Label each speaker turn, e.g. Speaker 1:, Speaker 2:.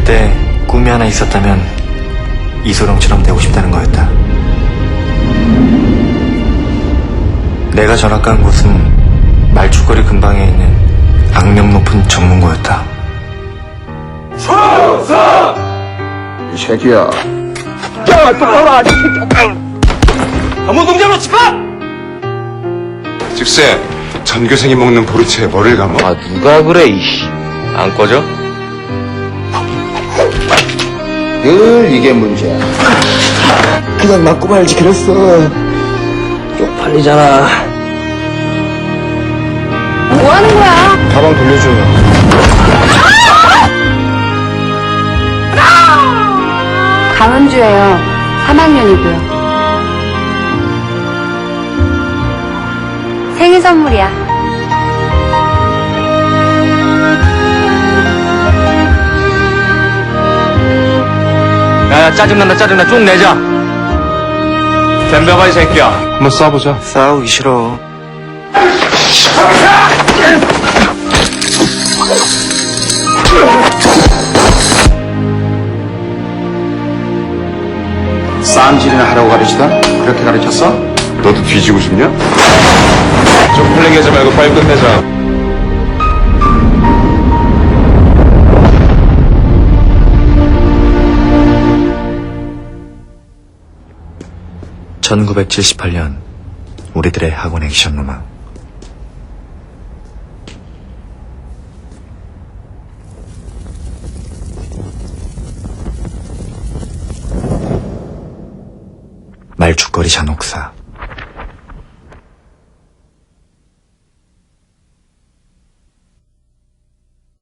Speaker 1: 때 꿈이 하나 있었다면 이소룡처럼 되고 싶다는 거였다. 내가 전학 간 곳은 말죽거리 근방에 있는 악명 높은 전문고였다.
Speaker 2: 이 새끼야.
Speaker 3: 야, 똑바로 이 새끼야. 노동자로 집어!
Speaker 2: 즉세 전교생이 먹는 보리차에 뭐를 감어?
Speaker 3: 아, 누가 그래, 이씨. 안 꺼져?
Speaker 2: 늘 이게 문제야.
Speaker 3: 그냥 맞고 말지, 그랬어. 쪽팔리잖아.
Speaker 4: 뭐 하는 거야?
Speaker 2: 가방 돌려줘요.
Speaker 4: 강은주예요. 3학년이고요. 생일 선물이야.
Speaker 3: 야, 짜증나, 쭉 내자. 덤벼봐, 이 새끼야.
Speaker 2: 한번 쏴보자.
Speaker 1: 싸우기 싫어.
Speaker 2: 쌈질이나 하라고 가르치다? 그렇게 가르쳤어? 너도 뒤지고 싶냐?
Speaker 3: 좀 풀리게 하지 말고 빨리 끝내자.
Speaker 1: (1978년) 우리들의 학원 액션 로망. 말죽거리 잔혹사.